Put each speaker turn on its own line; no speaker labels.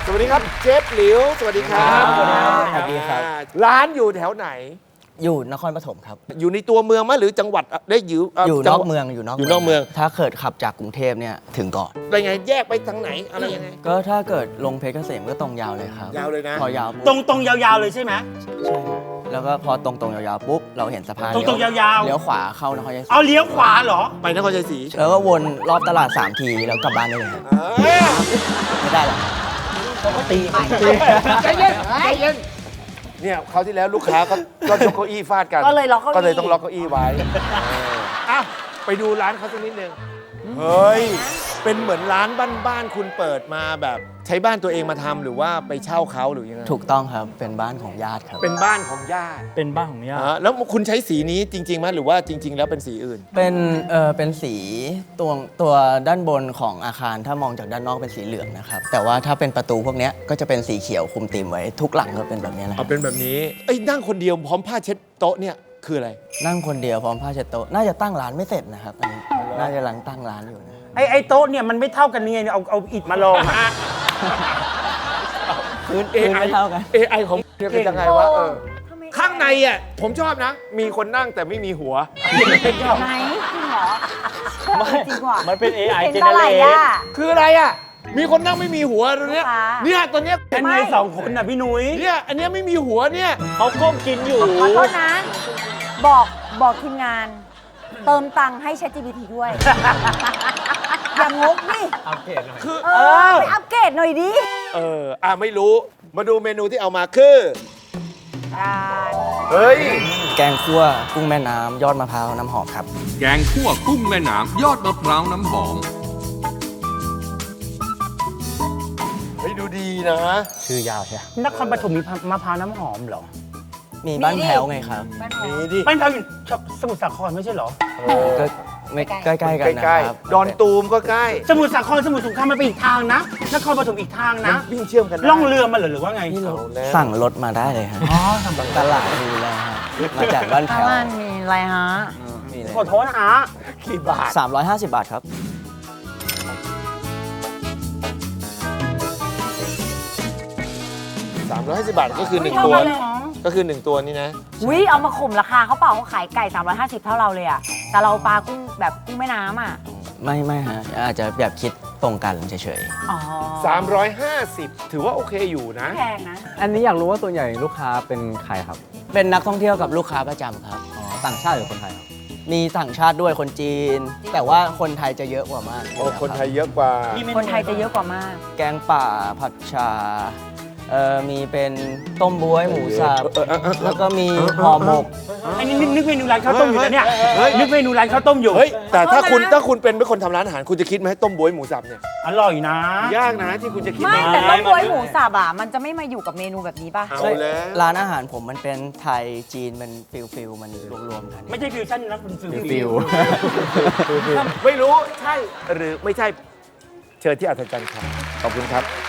สวัสดีครับเชฟหลิวสวัสดีครับ
สวัสดีครับ
ร้านอยู่แถวไหน
อยู่นครปฐมครับ
อยู่ในตัวเมืองไหมหรือจังหวัดได้อยู่
อยู่
จั
น
ห
อ
วั
ก
ด
เมือง
อยู่นอกเมือง
ถ้าเกิดขับจากกรุงเทพเนี่ยถึงก่อน
เป็นไงแยกไปทางไหนอะไรยังไง
ก็ถ้าเกิดลงเพชรเกษมก็ตรงยาวเลยครับ
ยาวเลยนะ
พอยาวปุ๊บ
ตรงยาวๆเลยใช่ไหม
ใช่ครับแล้วก็พอตรงยาวๆปุ๊บเราเห็นสะพาน
ตรงๆยาวๆ
เลี้ยวขวาเข้านครชัยศรี
เอาเลี้ยวขวาเหรอ
ไปนครชัยศรี
แล้วก็วนรอบตลาด3 ทีแล้วกลับบ้านได้เลยครับ
เอ้ย
ไม่ได้หรอก
ใจเย็นใจเย็นเนี่ยคราวที่แล้วลูกค้าก็ยกเก้าอี้ฟาดกัน
ก็เลยล็อกเก้าอี้
ก็เลยต้องล็อกเก้าอี้ไว้อ่ะไปดูร้านเขาสักนิดนึงเฮ้ยเป็นเหมือนร้านบ้านๆคุณเปิดมาแบบใช้บ้านตัวเองมาทำหรือว่าไปเช่าเขาหรือยังไง
ถูกต้องครับเป็นบ้านของญาติครับ
เป็นบ้านของญาติ
เป็นบ้านของย่า
แล้วคุณใช้สีนี้จริงๆไหมหรือว่าจริง ๆ แล้วเป็นสีอื่น
เป็นสีตัวด้านบนของอาคารถ้ามองจากด้านนอกเป็นสีเหลืองนะครับแต่ว่าถ้าเป็นประตูพวกเนี้ยก็จะเป็นสีเขียวคุมธีมไว้ทุกหลังก็เป็นแบบนี้แหละค
เอา
รับ
เป็นแบบนี้เอ้ยนั่งคนเดียวพร้อมผ้าเช็ดโต๊ะเนี่ยคืออะไร
นั่งคนเดียวพร้อมผ้าเช็ดโต๊ะน่าจะตั้งร้านไม่เสร็จนะครับอันนี้น่าจะกำลังตั้งร้านอยู่นะ
ไอ้โต๊ะเนี่ยมันไม่เท่ากันนี่ไงเอาอิฐมาลองอะ
พื้นไม่เท่ากัน
AI ของเนี่ยเป็นยังไงวะข้างในอ่ะผมชอบนะ มีคนนั่งแต่ไม่มีหัว
ไหนจริงเหรอจริงว่ะ
มันเป็น AI
เป็นเท่าไหร่อ่ะ
คืออะไรอ่ะ มีคนนั่งไม่มีหัวตรงเนี้ย
ลูกค้า
เนี่ยตอนเนี้ย
เป็นไงสองคนน่ะพี่นุ้ย
เนี่ยอันเนี้ยไม่มีหัวเนี่ย
เขาก้มกินอยู่
ขอโทษนะ บอกทีมงาน เติมตังค์ให้ ChatGPT ด้วย อย่างงกนี่
คือ
ไปอัปเกรดหน่อยดิ
ไม่รู้มาดูเมนูที่เอามาคือ
อ่า
เฮ้ย
แกงคั่วกุ้งแม่น้ำยอดมะพร้าวน้ำหอมครับ
แกงคั่วกุ้งแม่น้ำยอดมะพร้าวน้ำหอม
เฮ้ยดูดีนะ
ชื่อยาวใช่
นครปฐมมีมะพร้าวน้ำหอมเหรอ
มีบ้านแพ้วไงครับ
มีดิ
บ้านเขาอยู่สมุทรสาครไม่ใช่เหรอ
ก็ไม่ใกล้ๆกันนะ
ใกล้
ครับ
ๆดอนตูมก็ใกล้
สมุทรสาครสมุทรสงครามมันเป็นอีกทางนะ นครปฐมอีกทาง
มั
นะ
นวิ่งเชื่อมกันได้
ล่องเรือมาเหรอหรือว่าไง
เอาแล้ว
สั่งรถมาได้เลยครับ
อ๋อสั่ง
ตลาดมีแล้วครับมาจากบ้านแพ้ว
บ้านมีอะไรฮะ
มีเลย
ขอโทษนะฮะ
กี่บาท
350 บาทครับ
350 บาทก็คือ
ไม่
1
เท่า
ตัว
กันเลย
ก็คือ 1 ตัวนี่นะ
วิเอามาข่มราคาเขาเปล่าเขาขายไก่ 350 เท่าเราเลยอ่ะ แต่เราปลากุ้งแบบกุ้งแม่น้ำอ่ะ
ไม่ฮะอาจจะแบบคิดตรงกันเฉย
อ๋อ
350 ถือว่าโอเคอยู่นะ
แพงนะ
อันนี้อยากรู้ว่าส่วนใหญ่ลูกค้าเป็นใครครับ
ๆ เป็นนักท่องเที่ยวกับลูกค้าประจำครับ
ต่างชาติหรือคนไทยครับ
มีต่างชาติด้วยคนจีน แต่ว่าคนไทยจะเยอะกว่ามาก
โอ้คนไทยเยอะกว่า
คนไทยจะเยอะกว่ามาก
แกงป่าผัดชามีเป็นต้มบ๊วยหมูสับแล้วก็มีห่อหมก
ไอ้นี่นึกเมนูร้านข้าวต้มอยู่แล้วเนี่ย
เฮ้ย
นึกเมนูร้านข้าวต้มอยู่
เฮ้ย แต่ถ้าคุณ
ขอโทษนะ
ถ้าคุณเป็นคนทำร้านอาหารคุณจะคิดไหมต้มบ๊วยหมูสับเนี่ย
อร่อยนะ
ยากนะที่คุณจะคิด
ไม่
นะ
แต่ต้มบ๊วยหมูสับอ่ะ มันจะไม่มาอยู่กับเมนูแบบนี้ป่ะ
เอาแล้ว
ร้านอาหารผมมันเป็นไทยจีนมันฟิลมันรวมๆกัน
ไม่ใช่ฟิวชั่นนะเป็นฟิว
ฟิล
ไม่รู้ใช่หรือไม่ใช่เชิญที่อัศจรรย์ครับขอบคุณครับ